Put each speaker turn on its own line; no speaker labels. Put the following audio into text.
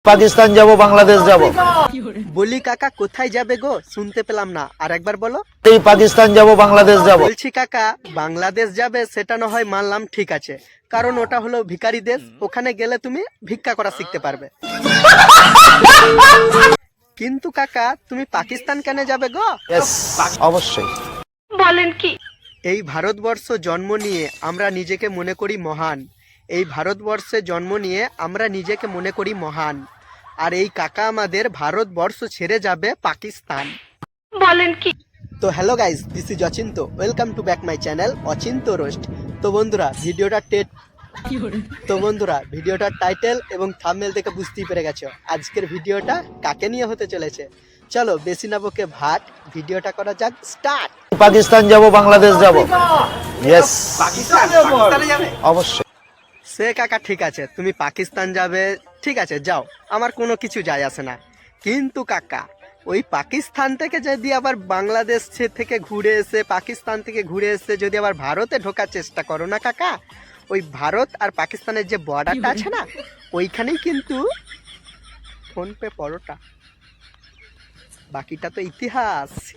পাকিস্তান যাব, বাংলাদেশ যাব।
বলি কাকা কোথায় যাবে গো? শুনতে পেলাম না, আর একবার বলো।
এই পাকিস্তান যাব, বাংলাদেশ যাব।
বলছি কাকা বাংলাদেশ যাবে সেটা না হয় মানলাম, ঠিক আছে, কারণ ওটা হলো ভিখারি দেশ, ওখানে গেলে তুমি ভিক্ষা করা শিখতে পারবে। কিন্তু কাকা তুমি পাকিস্তান কেন যাবে গো?
ইয়েস, অবশ্যই।
এই ভারতবর্ষ জন্ম নিয়ে আমরা নিজেকে মনে করি মহান। এই ভারতবর্ষে জন্ম নিয়ে আমরা নিজেকে মনে করি মহান। আর এই কাকা আমাদের ভারতবর্ষ ছেড়ে যাবে পাকিস্তান। তো hello guys, this is Achinta, welcome to back my channel Achinta roast. তো বন্ধুরা ভিডিওটার টাইটেল এবং থাম্বনেল থেকে বুঝতেই পেরে গেছো আজকের ভিডিওটা কাকে নিয়ে হতে চলেছে। চলো বেশি না বকে ভাট, ভিডিওটা করা যাক স্টার্ট।
পাকিস্তান যাব, বাংলাদেশ যাব। ইয়েস, অবশ্যই।
সে কাকা ঠিক আছে, তুমি পাকিস্তান যাবে, ঠিক আছে যাও, আমার কোনো কিছু যায় আসে না। কিন্তু কাকা ওই পাকিস্তান থেকে যদি আবার বাংলাদেশ থেকে ঘুরে এসে, পাকিস্তান থেকে ঘুরে এসে যদি আবার ভারতে ঢোকার চেষ্টা করো না কাকা, ওই ভারত আর পাকিস্তানের যে বর্ডারটা আছে না, ওইখানেই কিন্তু ফোন পে পরোটা, বাকিটা তো ইতিহাস।